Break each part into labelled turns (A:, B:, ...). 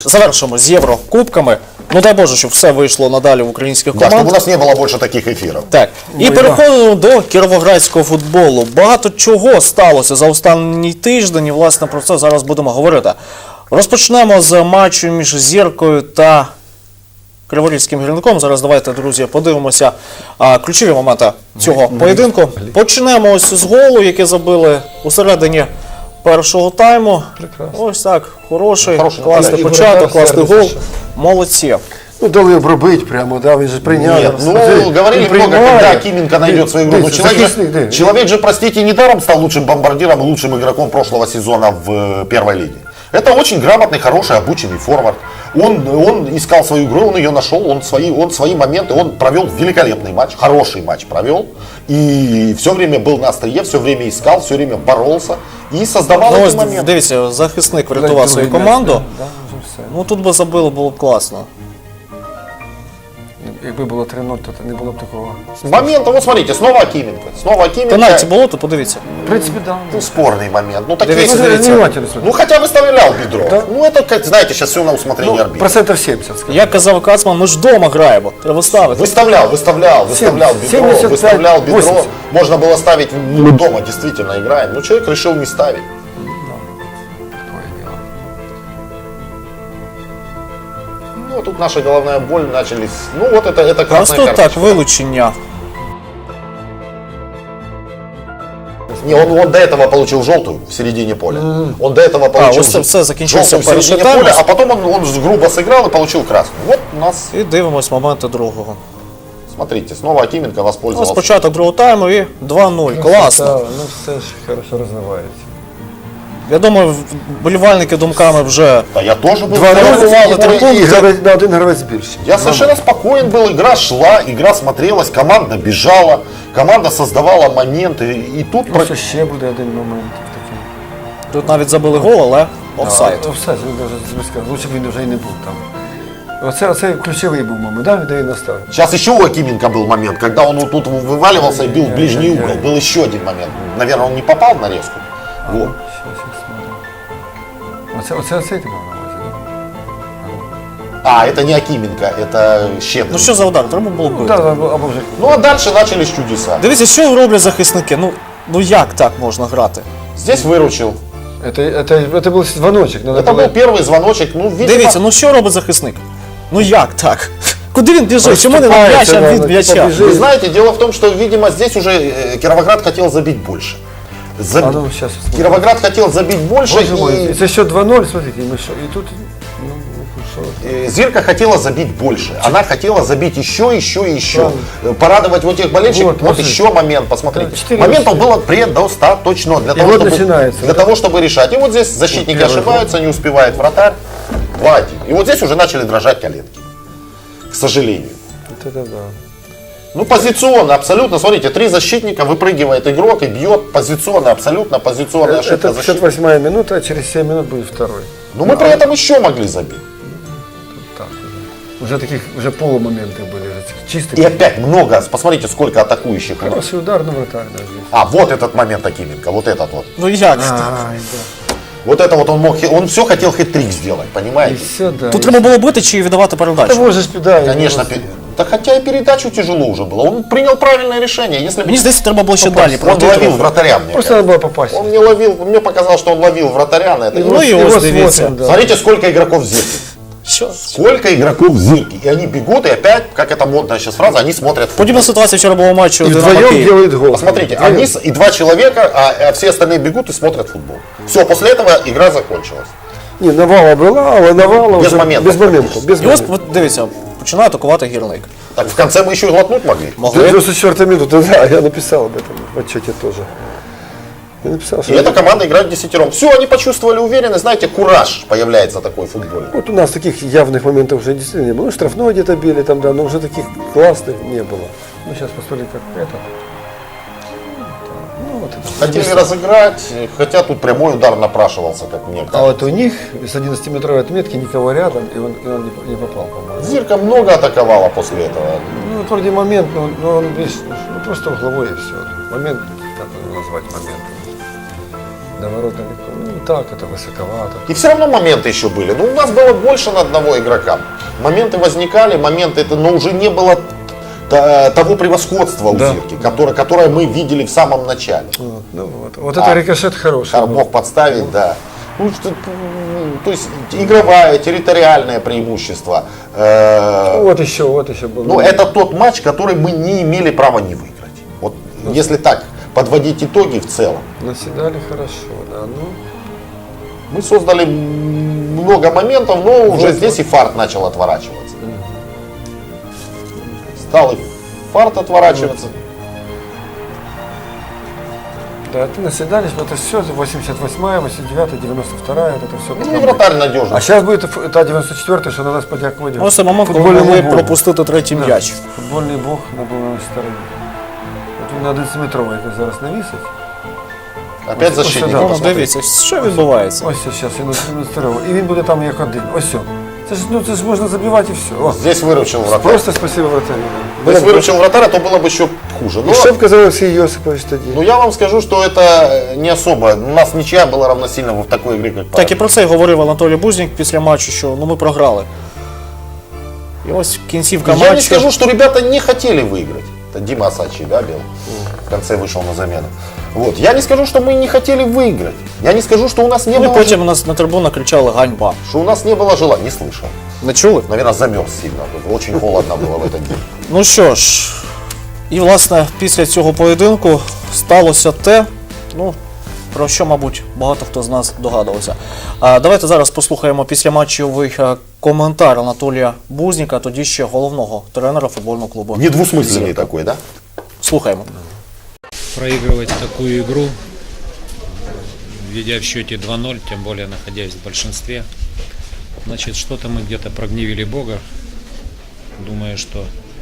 A: завершимо з Єврокубками. Ну дай Боже, щоб все вийшло надалі в українських
B: Да,
A: команд.
B: чтобы у нас не было больше таких эфиров.
A: Так, і переходимо до кіровоградського футболу. Багато чого сталося за останній тиждень, і власне про це зараз будемо говорити. Розпочнемо з матчу між Зіркою та Криворізьким Гірником. Зараз давайте, друзі, подивимося ключові моменти цього поєдинку. Почнемо ось з голу, який забили у середині першого тайму.
C: Прекрасно.
A: Ось так, хороший
B: Хороший
A: класний
C: і
A: початок,
C: воротар
A: класний гол.
C: сердиться.
A: Молодці.
C: Ну, дали обробити прямо, да, він же прийняв.
B: Нет, ну, говорили много, когда Акименко найдет свою игру. Но человек же, простите, недаром стал лучшим бомбардиром и лучшим игроком прошлого сезона в первой лиге. Это очень грамотный, хороший, обученный форвард. Он искал свою игру, он ее нашел, он свои моменты, он провел великолепный матч, хороший матч провел. И все время был на острие, все время искал, все время боролся и создавал
A: Ну,
B: эти
A: ось,
B: моменты.
A: дивіться, захисник врятував свою команду. Ну тут би забили, було б класно.
C: Якби було 3-0, то не було б такого.
B: Момент, вот смотрите, снова Акименко. Снова Акименко.
A: Пенальті було, то подивіться.
C: В принципі, да.
B: Ну, спорный момент. Ну, такие,
A: Дивіться,
C: Ну,
A: дивіться.
C: внимательно смотри.
B: ну хотя бы стрелял бедро.
C: Да.
B: Ну это, как, знаете, сейчас все на усмотрение арбитра.
C: Процентов 70, скажем.
A: Як казав Кацман, ми ж вдома граємо, треба ставити.
B: Выставлял бедро,
C: 75,
B: выставлял бедро.
C: 80.
B: Можно было ставить, ну, дома действительно играем. Но человек решил не ставить.
C: Такое дело.
B: Ну, тут наша головная боль начались. Ну, вот это красная
A: Просто
B: карточка.
A: так, вилучення.
B: Не, он до этого получил желтую в середине поля. Он до этого получил
A: ось це все закінчився
B: желтую в
A: перший
B: середине
A: тайм.
B: поля, а потом он грубо сыграл и получил красную. Вот у нас,
A: І дивимось моменти другого.
B: смотрите, снова Акименко
A: Ось
B: воспользовался.
A: початок другого тайму і 2-0. Класно.
C: Да, ну все ж хорошо розвивається.
A: Я думаю, вболівальники думками вже
B: Да я тоже был.
A: 2-0 три
C: І
A: пункти.
C: гравець, на один гравець більше.
B: Я совершенно спокоен был, игра шла, игра смотрелась, команда бежала, команда создавала моменты. И тут
C: Просто ще буде один момент такий.
A: Тут навіть забили гол, але офсайд.
C: Офсайд, він навіть сказав, лучше б він вже і не був там. Оце ключовий був момент, да, де він настав.
B: сейчас еще у Акименко был момент, когда он вот тут вываливался и бил в ближний угол. Был еще один момент. Наверное, он не попал в нарезку. Вот.
C: Оце ти мав на увазі, да?
B: А, это не Акименко, это Щедрин.
A: Ну що за удар? Треба було
C: Ну,
A: бити.
C: да, або вже.
B: Ну а дальше начались чудеса.
A: Дивіться, що роблять захисники. Ну як так можна грати?
B: Здесь выручил.
C: Это был звоночек. Надо
B: Это
C: было...
B: был первый звоночек. Ну, видимо,
A: Дивіться, ну що робить захисник? Ну як так? Куди він біжить? Чому не на
C: Розступається,
A: м'яч, а
C: да,
A: від м'яча?
C: побіжить.
B: вы знаете, дело в том, что, видимо, здесь уже Кировоград хотел забить больше.
C: А ну, сейчас.
B: Кировоград хотел забить больше,
C: Боже мой,
B: и
C: это счет 2-0, смотрите, мы что, и тут, ну, что?
B: Зирка хотела забить больше. Она хотела забить еще и еще. Порадовать вот этих болельщиков.
C: Вот,
B: Вот
C: смотри.
B: еще момент, посмотрите.
C: 4
B: Моментов было предостаточно для того,
C: вот
B: чтобы,
C: начинается.
B: для того, чтобы решать. И вот здесь защитники
C: первый
B: ошибаются, не успевает вратарь. 2-1. И вот здесь уже начали дрожать коленки. К сожалению.
C: Вот это да.
B: Ну, позиционно, абсолютно. Смотрите, 3 защитника, выпрыгивает игрок и бьет позиционно, абсолютно позиционная ошибка
C: Это
B: защитника.
C: 58-я минута, а через 7 минут будет второй.
B: Но мы при этом еще могли забить.
C: Так, уже таких, уже полумоментов были, уже чистые.
B: И опять много, посмотрите, сколько атакующих.
C: Хороший удар на вратарь, да, здесь.
B: А, вот этот момент Акименко, вот этот вот.
A: Ну як?
C: Ай, да.
B: Вот это вот он все хотел хет-трик сделать,
C: И
B: понимаете?
C: все, да.
A: Тут треба було бити чи віддавати передачу?
C: Того же да.
B: Конечно, да хотя и передачу тяжело уже было. Он принял правильное решение. Если бы
A: Мені здається, треба було ще далі
B: он ловил
A: продовжувати.
B: вратаря, мне
C: Просто
B: кажется.
C: надо было попасть.
B: Он не ловил, мне показалось, что он ловил вратаря на это.
A: Ну и
C: его
A: вот дивіться.
C: смотрим, да.
B: Смотрите, сколько игроков в Зирке.
A: Що?
B: Сколько игроков в Зирке. И они бегут, и опять, как это модная сейчас фраза, они смотрят футбол.
A: Подібна ситуація вчора була в матчі
C: И
A: Динамо
C: вдвоем
A: Київ.
C: делает гол.
B: Посмотрите,
C: Вдвоем.
B: они и 2 человека, а все остальные бегут и смотрят футбол. Все, после этого игра закончилась.
C: Не, навала была, але навала
B: Без
C: уже
B: моментов
C: без моментов. Без
A: І ось,
C: моментов.
A: от дивіться, починає атакувати Гірник.
B: Так в конце мы еще и глотнуть могли.
A: Могли.
C: 94-я минута, да, я написал об этом в отчете тоже. Я написал,
B: И
C: что
B: эта команда играет десятером. Все, они почувствовали уверенность, знаете, кураж появляется такой футбольный.
C: вот у нас таких явных моментов уже действительно не было. Ну, штрафной где-то били там, да, но уже таких классных не было. Ну, сейчас посмотрим, как это. Ну, вот это.
B: Хотели разыграть, хотя тут прямой удар напрашивался, как мне
C: А
B: кажется.
C: вот у них с 11-метровой отметки никого рядом, и он не попал, по-моему.
B: Зирка много атаковала после этого.
C: Ну, вот вроде момент, но он, видишь, ну, просто угловой и все. Момент, как его назвать моментом. До ворот далеко. Ну, так, это высоковато.
B: И все равно моменты еще были. Ну, у нас было больше на одного игрока. Моменты возникали, но уже не было того превосходства у
C: Да.
B: Зирки, которое мы видели в самом начале.
C: Вот, ну вот это рикошет хороший. был.
B: Мог подставить, да. Ну, то есть игровое, территориальное преимущество.
C: Вот еще был.
B: Ну, это тот матч, который мы не имели права не выиграть. Вот если так подводить итоги в целом.
C: Наседали хорошо, да. Ну,
B: Мы создали много моментов, но уже здесь и фарт начал отворачиваться. Стал и фарт отворачиваться.
C: да, это наседались, но это все 88-я, 89-я, 92-я, вот это все.
B: Ну и вратарь надежный.
C: А сейчас будет та 94-я, що на нас подякувати.
A: Ось цей момент, коли
C: Футбольному
A: могли
C: Богу.
A: пропустити третій м'яч.
C: Футбольний Бог не був на нашій стороні. От він на 11-метровий якось зараз навісить.
B: Опять
C: Ось
B: защитник.
C: сюди.
A: Ну,
B: посмотри.
A: дивіться, що відбувається.
C: Ось зараз він 11-метровий. І він буде там як один. Ось все. Це ж можна забивати і все. О,
B: Здесь выручил вратарь.
C: просто спасибо вратарю.
B: Здесь выручил вратарь, то было бы еще хуже.
C: І шеф казав Олексій Йосипович тоді.
B: Ну я вам скажу, что это не особо. У нас ничья была равносильна в такой игре, как
A: Так і про це й говорив Анатолій Бузнік після матчу, що ми програли. І ось кінцівка
B: Я не
A: матчу.
B: скажу, что ребята не хотели выиграть. Это Дима Асачи, да, бил? В конце вышел на замену. Вот. Я не скажу, что мы не хотели выиграть. Я не скажу, что у нас не
A: Ну і
B: было
A: потім у нас на трибунах кричали ганьба.
B: что у нас не было желания. Не слышал.
A: Не чули?
B: Наверное, замерз сильно. Очень холодно было в этот день.
A: Ну що ж, і власне після цього поєдинку сталося те, ну, про що, мабуть, багато хто з нас догадувався. Давайте зараз послухаємо післяматчевий коментар Анатолія Бузніка, тоді ще головного тренера футбольного клубу.
B: Недвусмысленный такой, да?
A: Слухаємо.
D: Проигрывать такую игру, ведя в счете 2-0, тем более находясь в большинстве, значит, что-то мы где-то прогневили Бога. Думаю, что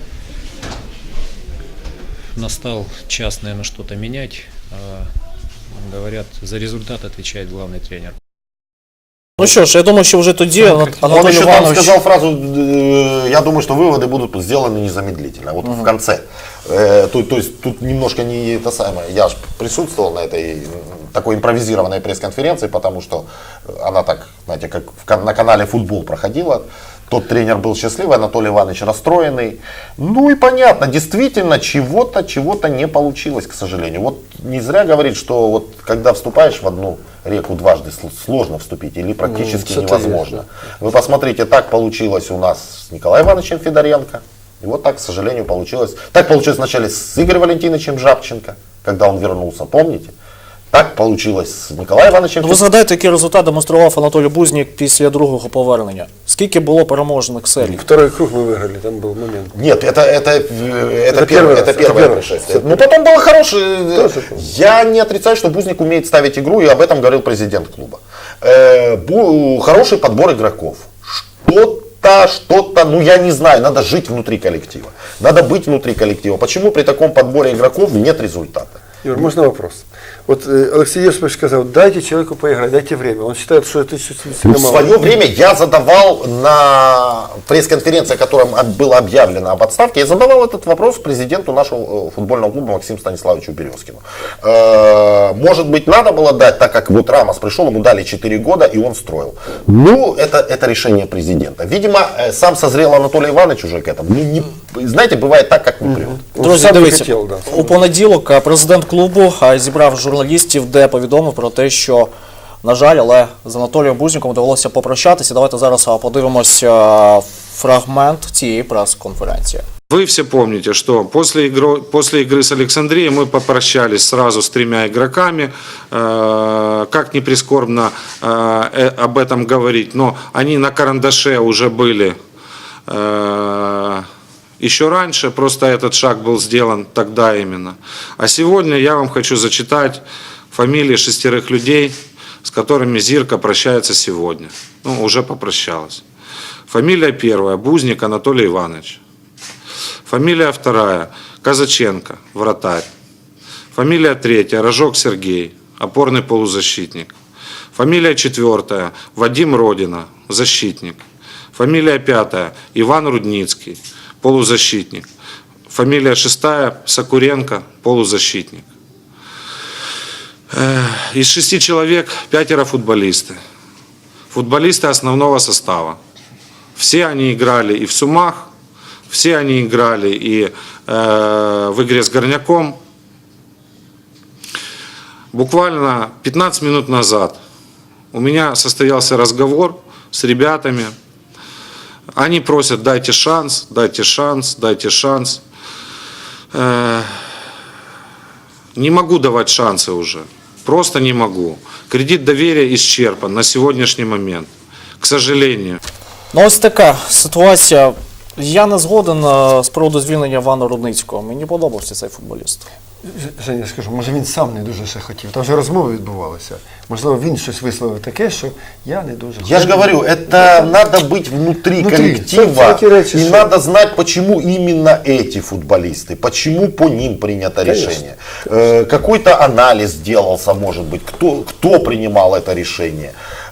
D: настал час, наверное, что-то менять. Говорят, за результат отвечает главный тренер.
A: Ну що ж, я думаю, що вже тоді
B: Он
A: Анатолій
B: еще там
A: Іванович...
B: сказал фразу, я думаю, что выводы будут сделаны незамедлительно, вот в конце. То есть тут немножко не это самое, я же присутствовал на этой такой импровизированной пресс-конференции, потому что она так, знаете, как на канале «Футбол» проходила. Тот тренер был счастливый, Анатолий Иванович расстроенный. Ну и понятно, действительно, чего-то не получилось, к сожалению. Вот не зря говорит, что вот когда вступаешь в одну реку дважды, сложно вступить или практически
C: что-то
B: невозможно.
C: есть,
B: Вы посмотрите, так получилось у нас с Николаем Ивановичем Федоренко. И вот так, к сожалению, получилось. Так получилось вначале с Игорем Валентиновичем Жабченко, когда он вернулся, помните? Так получилось с Николаем Ивановичем
A: Ви згадайте, який результат демонстрував Анатолій Бузнік після другого повернення. Скільки було переможних серій?
C: Второй круг мы выиграли, там был момент.
B: Нет, это
C: первый раз,
B: первое
C: это
B: происшествие. Ну потом было хорошее.
C: Тоже.
B: Я не отрицаю, что Бузник умеет ставить игру, и об этом говорил президент клуба. Хороший подбор игроков. Что-то, ну я не знаю, надо жить внутри коллектива. Надо быть внутри коллектива. Почему при таком подборе игроков нет результата?
C: Юр, можно вопрос? Вот Алексей Йосипович сказал, дайте человеку поиграть, дайте время. Он считает, что это
B: В
C: сильно мало.
B: свое время я задавал на пресс-конференции, которая была объявлена об отставке, я задавал этот вопрос президенту нашего футбольного клуба Максиму Станиславовичу Березкину. Может быть, надо было дать, так как вот Рамос пришел, ему дали 4 года, и он строил. Ну, это решение президента. Видимо, сам созрел Анатолий Иванович уже к этому. Ну, знаете, бывает так, как не прет.
C: Он
A: Друзі,
C: сам не
A: дивіться,
C: хотел, да.
A: у понеділок президент клубу зібрав журналістів, де повідомив про те, що, на жаль, але з Анатолієм Бузніком довелося попрощатися. Давайте зараз подивимось фрагмент цієї прес-конференції.
E: Вы все помните, что после игры с Александрией мы попрощались сразу с 3 игроками. Как ни прискорбно об этом говорить, но они на карандаше уже были еще раньше, просто этот шаг был сделан тогда именно. А сегодня я вам хочу зачитать фамилии 6 людей, с которыми Зирка прощается сегодня. Ну, уже попрощалась. Фамилия первая – Бузник Анатолий Иванович. Фамилия вторая – Казаченко, вратарь. Фамилия третья – Рожок Сергей, опорный полузащитник. Фамилия четвертая – Вадим Родина, защитник. Фамилия пятая – Иван Рудницкий, полузащитник. Фамилия шестая – Сокуренко, полузащитник. Из 6 человек 5 футболисты. Футболисты основного состава. Все они играли и в Сумах, все они играли и в игре с Горняком. Буквально 15 минут назад у меня состоялся разговор с ребятами. Они просят: дайте шанс, дайте шанс, дайте шанс. Не могу давать шансы уже. Просто не могу. Кредит доверия исчерпан на сегодняшний момент. К сожалению.
A: Ну ось така ситуація. Я не згоден з приводу звільнення Івана Рудницького. Мені подобався цей футболіст.
C: Женя, скажу, може він сам не дуже ще хотів. Там вже розмови відбувалися. Можливо, він щось висловив таке, що я не дуже
B: Я же говорю, это надо быть внутри коллектива,
C: всякие речи,
B: и
C: что-
B: надо знать, почему именно эти футболисты, почему по ним принято решение. Какой-то анализ делался, может быть, кто принимал это решение.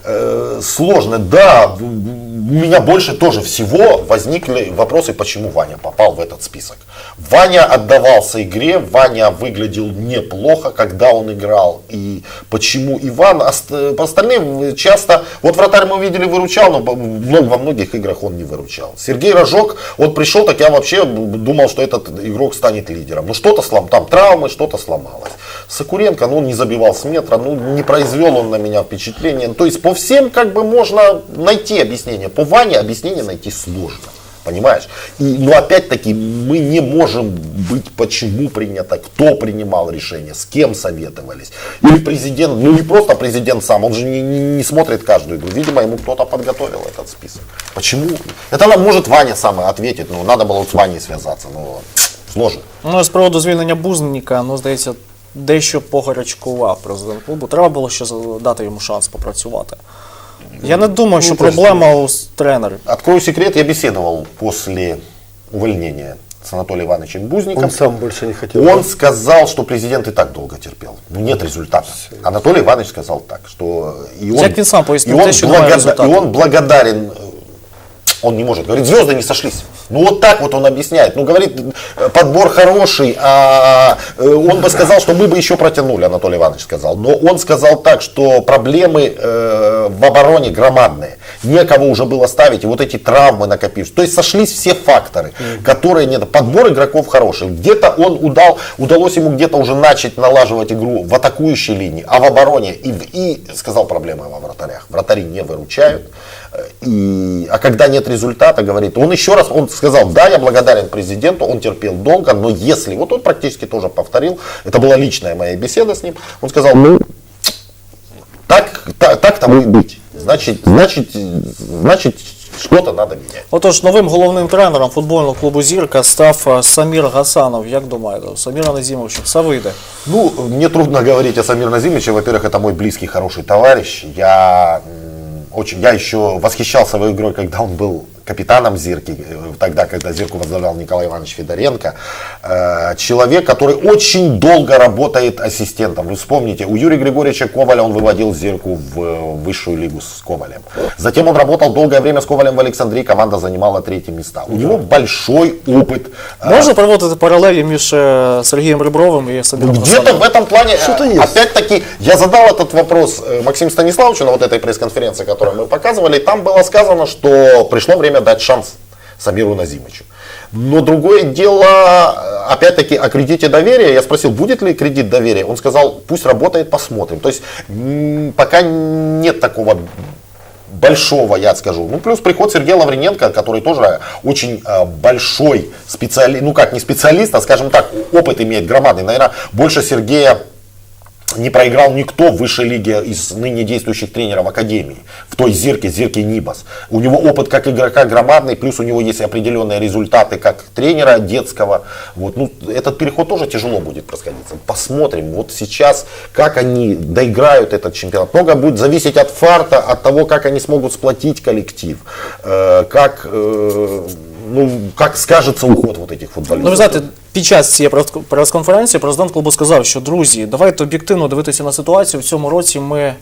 B: Сложно, да, у меня больше тоже всего возникли вопросы, почему Ваня попал в этот список. Ваня отдавался игре, Ваня выглядел неплохо, когда он играл. И почему Иван, по остальным часто, вот вратарь мы видели выручал, но во многих играх он не выручал. Сергей Рожок, он пришел, так я вообще думал, что этот игрок станет лидером. Ну что-то там травмы, что-то сломалось. Сокуренко, ну не забивал с метра, ну не произвел он на меня впечатление. То есть по всем как бы можно найти объяснение. По Ване объяснение найти сложно. Понимаешь? Но опять-таки мы не можем быть, почему принято, кто принимал решение, с кем советовались. Или президент, ну не просто президент сам, он же не смотрит каждую игру. Видимо, ему кто-то подготовил этот список. Почему? Это нам может Ваня сам ответит, ну надо было с Ваней связаться, но сложно.
A: Ну, з приводу звільнення Бузніка, ну, здається, дещо погарячкував президент клубу. Треба було ще дати йому шанс попрацювати. Я не думаю, що проблема у тренері.
B: Открою секрет, я беседовал после увольнения с Анатолием Ивановичем Бузником.
C: Он сам больше не хотел.
B: Он сказал, что президент и так долго терпел. Ну, нет результата. Анатолий Иванович сказал так, что и он,
A: Як він сам пояснив,
B: и он
A: те, що немає
B: и
A: результату.
B: он благодарен, он не может, говорит, звезды не сошлись. Ну вот так вот он объясняет. Ну говорит, подбор хороший, а он бы сказал, что мы бы еще протянули, Анатолий Иванович сказал. Но он сказал так, что проблемы в обороне громадные. Некого уже было ставить, и вот эти травмы накопившись. То есть сошлись все факторы, которые нет. Подбор игроков хороший. Где-то удалось ему где-то уже начать налаживать игру в атакующей линии, а в обороне и сказал, проблемы во вратарях. Вратари не выручают. А когда нет результата, говорит, он еще раз, он сказал, да, я благодарен президенту, он терпел долго, но если, вот он практически тоже повторил, это была личная моя беседа с ним, он сказал, ну, так тому и быть, значит, что-то надо менять.
A: Отож, новим головним тренером футбольного клубу «Зірка» став Самір Гасанов. Як думаєте, Саміра Назімовича все вийде?
B: Ну, мне трудно говорить о Самире Назимовиче, во-первых, это мой близкий, хороший товарищ, я еще восхищался его игрой, когда он был капитаном «Зирки», тогда, когда «Зирку» возглавлял Николай Иванович Федоренко. Человек, который очень долго работает ассистентом. Вы вспомните, у Юрия Григорьевича Коваля он выводил «Зирку» в высшую лигу с Ковалем. Затем он работал долгое время с Ковалем в Александрии, команда занимала 3-е места. У него большой опыт.
A: Можна проводити паралелі між Сергієм Ребровим і Саміром
B: Где-то
A: Гасановим?
B: в этом плане,
C: Что-то есть.
B: опять-таки, я задал этот вопрос Максиму Станиславовичу на вот этой пресс-конференции, которую мы показывали. Там было сказано, что пришло время дать шанс Самиру Назимовичу. Но другое дело, опять-таки, о кредите доверия. Я спросил, будет ли кредит доверия. Он сказал, пусть работает, посмотрим. То есть, пока нет такого большого, я скажу. Ну, плюс приход Сергея Лавриненко, который тоже очень большой специалист, ну как не специалист, а скажем так, опыт имеет громадный. Наверное, больше Сергея не проиграл никто в высшей лиге из ныне действующих тренеров Академии. В той Зирке Нибас. У него опыт как игрока громадный, плюс у него есть определенные результаты как тренера детского. Вот. Ну, этот переход тоже тяжело будет происходить. Посмотрим вот сейчас, как они доиграют этот чемпионат. Много будет зависеть от фарта, от того, как они смогут сплотить коллектив. Как скажется уход вот этих футболистов.
A: Ну, ви знаєте, під час цієї прес-конференції президент клубу сказав, що, друзі, давайте об'єктивно дивитися на ситуацію. В цьому році ми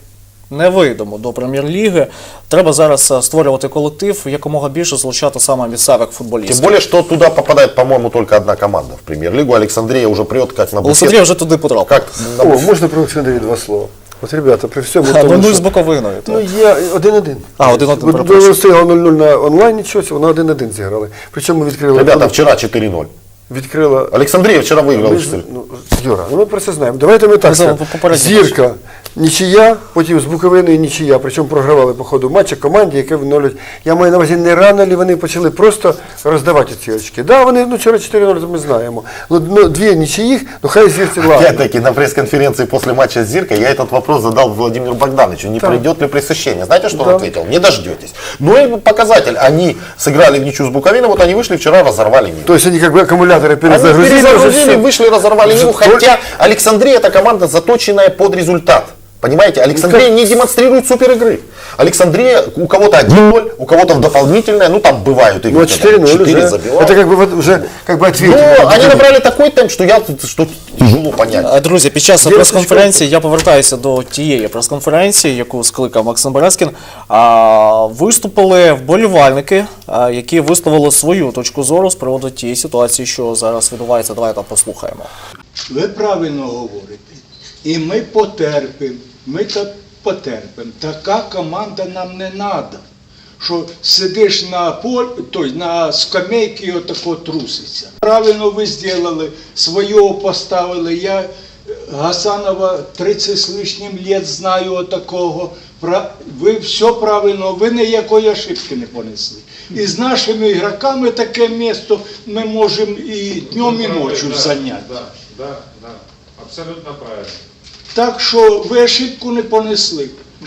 A: не вийдемо до прем'єр-ліги. Треба зараз створювати колектив, якомога більше залучати саме місцевих футболістів.
B: Тем более, что туда попадает, по-моему, только одна команда в премьер-лигу. Александрия уже прет как на буфет.
A: Олександрія вже туди потрапив.
B: Как на
C: О,
B: буфет.
C: можно про Олександрію два слова? От, ребята, при всьому
A: Ну,
C: тому,
A: 0
C: що...
A: з Буковиною.
C: Ну,
A: так.
C: я 1-1.
A: А, 1-1,
C: От
A: перепрошую.
C: стояло 0-0 на онлайні щось, вона 1-1 зіграли. Причому відкрили...
B: Ребята, вчера 4-0.
C: Відкрила...
B: Александрия вчера выиграла 4.
C: Ну, Юра, ну ми про це знаємо. Давайте ми так
A: Ми
C: скажемо.
A: попередньо
C: Зірка, нічия, потім з Буковиною нічия. Причому програвали по ходу матча команді, яке відновлюють. Я маю на увазі, не рано ли вони почали просто роздавати ці очки. Да, вони вчора 4-0, ми знаємо. Ну, дві нічиїх, ну хай Зірці ладно.
B: Опять-таки, на пресс-конференции после матча с Зиркой я этот вопрос задал Владимиру Богдановичу. Не придет ли пресыщение? Знаете, что он ответил? Не дождетесь. Ну и показатель. Они сыграли в ничью с Буковиной, вот они вышли вчера, разорвали Ниву.
C: То есть они как бы аккумуляторы
B: Они
C: перезагрузили. уже
B: перезагрузили,
C: всё.
B: вышли, разорвали Ниву,
C: Только-
B: хотя Александрия это команда, заточенная под результат. Понимаете, Александрия не демонстрирует супер игры. Александрия у кого-то 1-0, у кого-то в дополнительное, ну там бывают игры,
C: Ну, 4-0
B: 4
C: уже.
B: забивают.
C: Это как бы вот уже как бы ответили.
B: Но они набрали такой темп, что тяжело понять.
A: Друзі, під час
C: Дівчаточка.
A: прес-конференції я повертаюся до тієї прес-конференції, яку скликав Максим Березкін. Виступили вболівальники, які висловили свою точку зору з приводу тієї ситуації, що зараз відбувається. Давайте послухаємо.
F: Ви правильно говорите. І ми потерпимо. Ми так потерпимо. Така команда нам не треба. Що сидиш на полі, тобто на скамейці і отако труситься. Правильно ви зробили, свого поставили. Я Гасанова 30 з лишнім літ знаю отакого. Ви все правильно, ви ніякої ошибки не понесли. І з нашими ігроками таке місто ми можемо і днем, і ночі зайняти.
E: Да, абсолютно правильно.
F: Так що ви ошибку не понесли.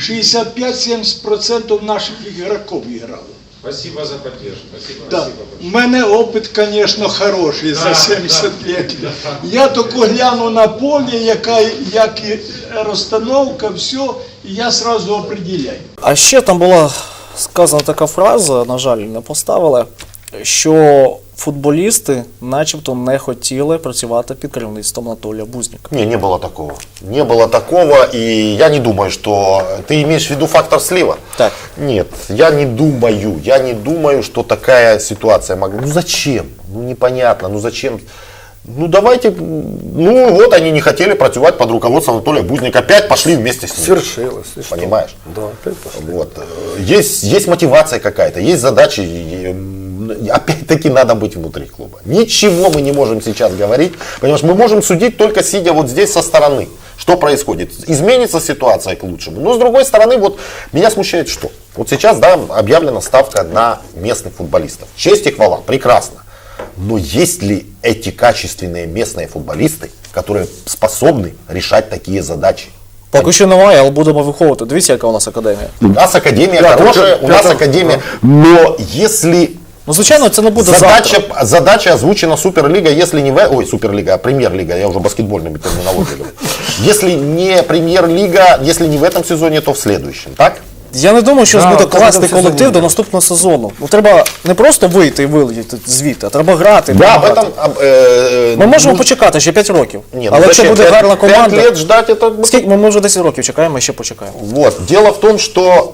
F: 65-70% наших ігроків грали.
E: Спасибо за поддержку. Спасибо,
F: Да.
E: спасибо большое.
F: У мене опит, звісно, хороший за 70 років. Я тільки гляну на поле, як і розстановка, все, і я одразу определяю.
A: А ще там була сказана така фраза, на жаль, не поставили, що футболісти начебто не хотіли працювати під керівництвом Анатолія Бузніка.
B: Не было такого. Не было такого, и я не думаю, что... Ты имеешь в виду фактор слива?
A: Так.
B: Нет, я не думаю, что такая ситуация могла... Ну зачем? Ну непонятно, ну зачем? Ну давайте, ну вот они не хотели працювать под руководством Анатолия Бузника, опять пошли вместе с ним.
C: Свершилось. и что?
B: Понимаешь?
C: Да, опять пошли.
B: Вот. Есть мотивация какая-то, есть задачи. И, опять-таки надо быть внутри клуба. Ничего мы не можем сейчас говорить, понимаешь, мы можем судить только сидя вот здесь со стороны. Что происходит? Изменится ситуация к лучшему. Но с другой стороны, вот меня смущает что? Вот сейчас, да, объявлена ставка на местных футболистов. Честь и хвала, прекрасно. Но есть ли эти качественные местные футболисты, которые способны решать такие задачи?
A: Поки що немає, але будемо виховувати. Дивіться, яка у нас академія.
B: У нас академия
C: Да,
B: хорошая,
C: только-
B: у нас
C: только-
B: академия, но если
A: Ну, звичайно, це не буде завтра.
B: задача озвучена Суперлига, если не Суперлига, а Премьер-лига, я уже баскетбольными терминологиями говорю. Если не Премьер-лига, если не в этом сезоне, то в следующем, так?
A: Я не думаю, що
C: Да,
A: буде
C: в цьому
A: класний
C: сезоні
A: колектив
C: ні.
A: до наступного сезону. Ну, треба не просто вийти і вилетіти звідти, а треба грати.
B: Да, в
A: грати.
B: этом...
A: Ми можемо почекати ще 5 років.
B: Нет,
A: Але якщо буде гарна
B: 5
A: команда...
B: лет ждать, это...
A: Скільки? Ми вже 10 років чекаємо, ще почекаємо.
B: Вот. Дело в том, что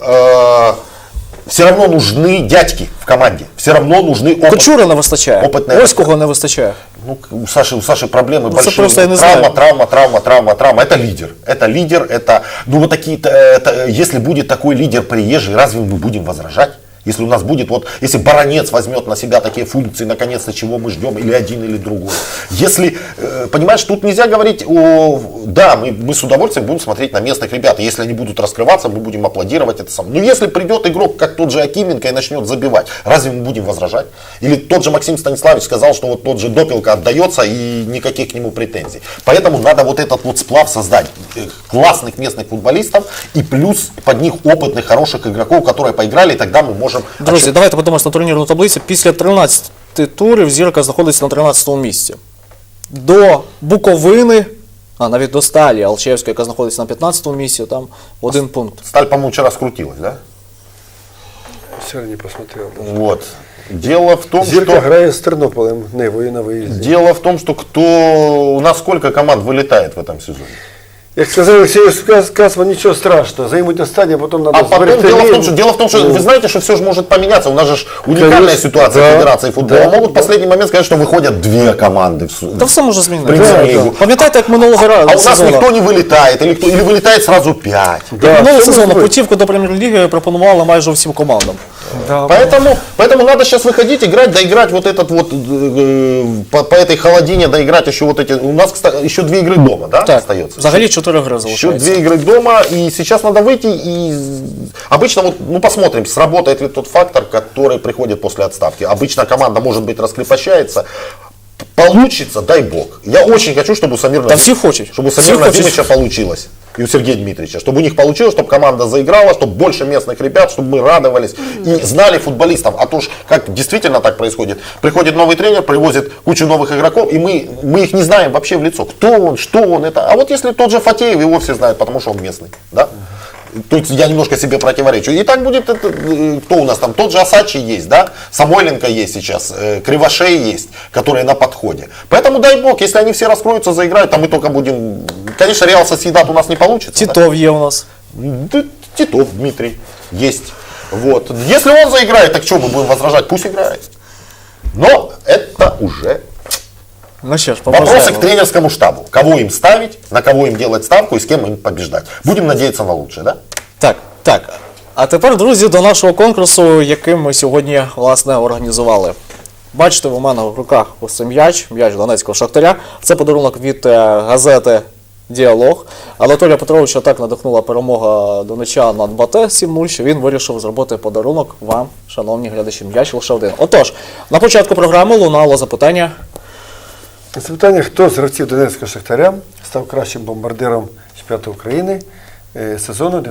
B: все равно нужны дядьки в команде. Все равно нужны
A: Кочура не вистачає.
B: Опитний.
A: Ось кого не вистачає.
B: Ну, у Саши проблемы
A: это
B: большие.
A: просто я не
B: Травма,
A: знаю.
B: травма. Это лидер. Это, ну вот такие, если будет такой лидер приезжий, разве мы будем возражать? Если у нас будет, вот, если Баранец возьмет на себя такие функции, наконец-то, чего мы ждем, или один, или другой. Если, понимаешь, тут нельзя говорить да, мы с удовольствием будем смотреть на местных ребят. Если они будут раскрываться, мы будем аплодировать это самое. Но если придет игрок, как тот же Акименко, и начнет забивать, разве мы будем возражать? Или тот же Максим Станиславович сказал, что вот тот же Допелка отдается и никаких к нему претензий. Поэтому надо вот этот вот сплав создать классных местных футболистов и плюс под них опытных, хороших игроков, которые поиграли, и тогда мы можем...
A: Друзі, давайте подивимося на турнірну таблицю. Після 13 турів Зірка знаходиться на 13-му місці. До Буковини, навіть до Сталі Алчевської, яка знаходиться на 15-му місці, там один пункт.
B: Сталь, по-моему, вчера скрутилась, да?
C: Вчера не посмотрел. даже.
B: Вот. Дело в том,
C: Зірка
B: что...
C: грає з Тернополем, Невою на виїзді.
B: Дело в том, что у нас сколько команд вылетает в этом сезоне?
C: Як сказав Олексій Касман, нічого страшного, займуть на стадії, а потім треба
B: А потом дело в том, что вы знаете, что все же может поменяться. У нас же уникальная
C: Конечно,
B: ситуация
C: да,
B: Федерации футбола.
C: да,
B: Могут в последний момент сказать, что выходят две команды.
A: Та все може змінитися.
B: Прем'єр-лігу.
A: Пам'ятаєте, як минулого
B: А у нас
A: сезону?
B: никто не вылетает, или вылетает сразу 5.
A: Минулого сезону
C: можливо.
A: путівку до прем'єр-ліги пропонували майже всім командам.
B: Поэтому надо сейчас выходить, играть, доиграть вот этот вот, по этой холодине, доиграть еще вот эти, у нас, кстати, еще 2 игры дома, да,
A: Так,
B: остается?
A: взагалі 4 гри
B: Еще 2
A: залишається.
B: игры дома, и сейчас надо выйти, и обычно, вот, ну посмотрим, сработает ли тот фактор, который приходит после отставки. Обычно команда, может быть, раскрепощается, получится, дай бог. Я очень хочу, чтобы у Самира
A: Да все хочет.
B: чтобы у
A: Все
B: Самира
A: хочет.
B: Надимовича получилось. И у Сергея Дмитриевича, чтобы у них получилось, чтобы команда заиграла, чтобы больше местных ребят, чтобы мы радовались и знали футболистов. А то ж, как действительно так происходит. Приходит новый тренер, привозит кучу новых игроков, и мы их не знаем вообще в лицо. Кто он, что он, это. А вот если тот же Фатеев, его все знают, потому что он местный. Да? То есть я немножко себе противоречу. И так будет, кто у нас там, тот же Асачи есть, да, Самойленко есть сейчас, Кривошей есть, которые на подходе. Поэтому дай бог, если они все раскроются, заиграют, то мы только будем, конечно, Реал Сосьедад у нас не получится. да?
A: Тітов є у нас.
B: Да, Титов Дмитрий есть. Вот. Если он заиграет, так что мы будем возражать? Пусть играет. Но это уже
A: Ну що ж,
B: вопросы к
A: побажаємо.
B: тренерскому штабу. Кого им ставить, на кого им делать ставку и с кем им побеждать. Будем надеяться на лучшее, да?
A: Так. А тепер, друзі, до нашого конкурсу, який ми сьогодні, власне, організували. Бачите, у мене в руках ось цей м'яч Донецького Шахтаря. Це подарунок від газети «Діалог». Анатолія Петровича так надихнула перемога донечан над БАТЕ 7-0, що він вирішив зробити подарунок вам, шановні глядачі. М'яч лише один. Отож, на початку програми лунало запитання.
C: Запитання, хто з гравців Донецького Шахтаря став кращим бомбардиром чемпіонату України сезону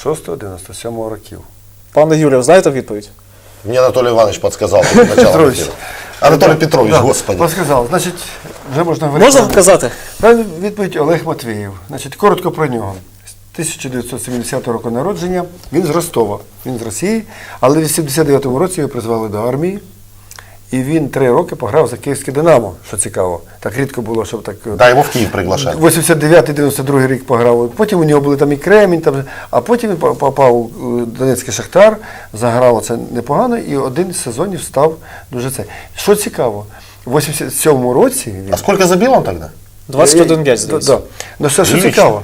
C: 96-97 років?
A: Пане Юрію, знаєте відповідь?
B: Мне Анатолий Иванович подсказал перед началом
C: Петрович.
B: эфира. Анатолий Петрович, господи.
C: Подсказав. Значить, вже можна говорити.
A: Можна казати?
C: Правильна відповідь Олег Матвієв. Значить, коротко про нього. З 1970 року народження, він з Ростова, він з Росії, але в 89-му році його призвали до армії. І він 3 роки пограв за київське «Динамо», що цікаво. Так рідко було, щоб так...
B: Да, его в Киев приглашали.
C: 89-92 рік пограв. Потім у нього були там і Кремінь, там, а потім він попав у Донецький Шахтар, заграв це непогано, і один з сезонів став дуже це. Що цікаво, в 87-му році... Він,
B: А сколько забил он тогда?
A: 21 м'яч, здається.
C: Да. Ну, що
B: Прилично.
C: цікаво,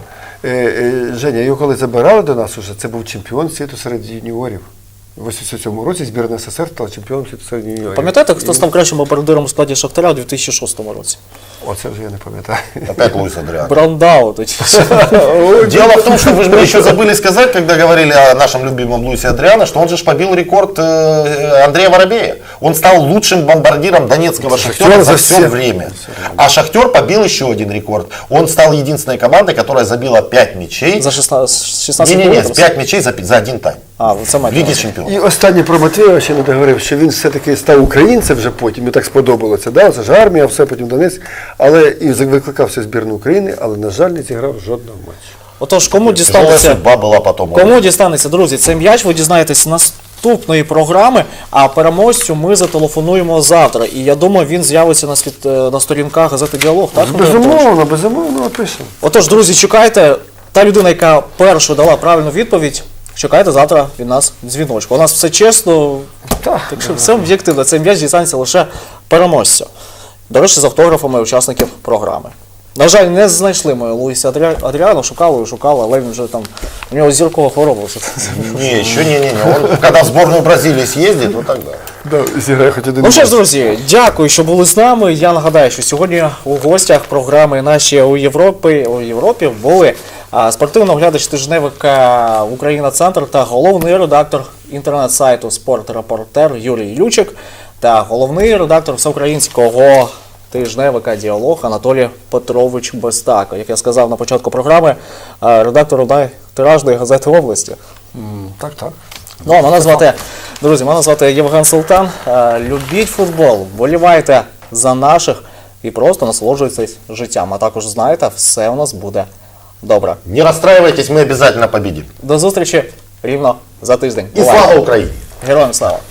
C: Женя, його коли забирали до нас, уже, це був чемпіон світу серед юніорів. У 87-му році збірна СССР стала чемпіоном світу серед юніорів.
A: Пам'ятаєте, хто став кращим бомбардиром у складі Шахтаря у 2006 році?
C: Оце вже я не пам'ятаю.
B: Опять Луис Адриан.
A: Брандау тоді.
B: Дело в том, что вы же мне еще забыли сказать, когда говорили о нашем любимом Луисе Адриано, что он же ж побил рекорд Андрея Воробея. Он стал лучшим бомбардиром Донецкого Шахтера за все время. А Шахтер побил еще один рекорд. Он стал единственной командой, которая забила 5 мячей.
A: За 16
B: Не-не-не,
A: кілометрів?
B: 5 мячей за один тайм.
A: А, це
B: В
A: матч.
B: Лиге чемпионов.
C: І останнє про Матвієва ще не договорив, що він все-таки став українцем вже потім, і так сподобалося. Да? Це ж армія, все потім Донецьк, але і викликався в збірну України, але, на жаль, не зіграв жодного матчу.
A: Отож, кому
B: Тяжелая
A: дістанеться,
B: судьба была потом.
A: кому дістанеться, друзі, цей м'яч, ви дізнаєтесь наступної програми, а переможцю ми зателефонуємо завтра. І я думаю, він з'явиться на сторінках газети «Діалог», так? Андрій Анатолійович?
C: Безумовно, опишемо.
A: Отож, друзі, чекайте, та людина, яка першою дала правильну відповідь, чекайте завтра від нас дзвіночку. У нас все чесно, так що все об'єктивно. Цей м'яч дістанеться лише переможцю. До речі, з автографами учасників програми. На жаль, не знайшли ми Луїса Адріано, шукали, але він вже там, у нього зіркова хвороба.
B: Не, еще не. Он когда в сборную Бразилии съездит, вот тогда.
C: Да, зіграє хоч один
A: Ну що ж,
C: матч.
A: друзі, дякую, що були з нами. Я нагадаю, що сьогодні у гостях програми наші у Європі були спортивний оглядач тижневика «Україна-Центр» та головний редактор інтернет-сайту «Спорт-репортер» Юрій Лючик та головний редактор всеукраїнського тижневика «Діалог» Анатолій Петрович Бестако. Як я сказав на початку програми, редактор тиражної газети області.
C: Так.
A: Ну, а мене звати Євген Султан. Любіть футбол, вболівайте за наших і просто насолоджуйтесь життям. А також знаєте, все у нас буде добре.
B: Не расстраивайтесь, мы обязательно победим.
A: До зустрічі рівно за тиждень.
B: И слава Украине!
A: Героям слава!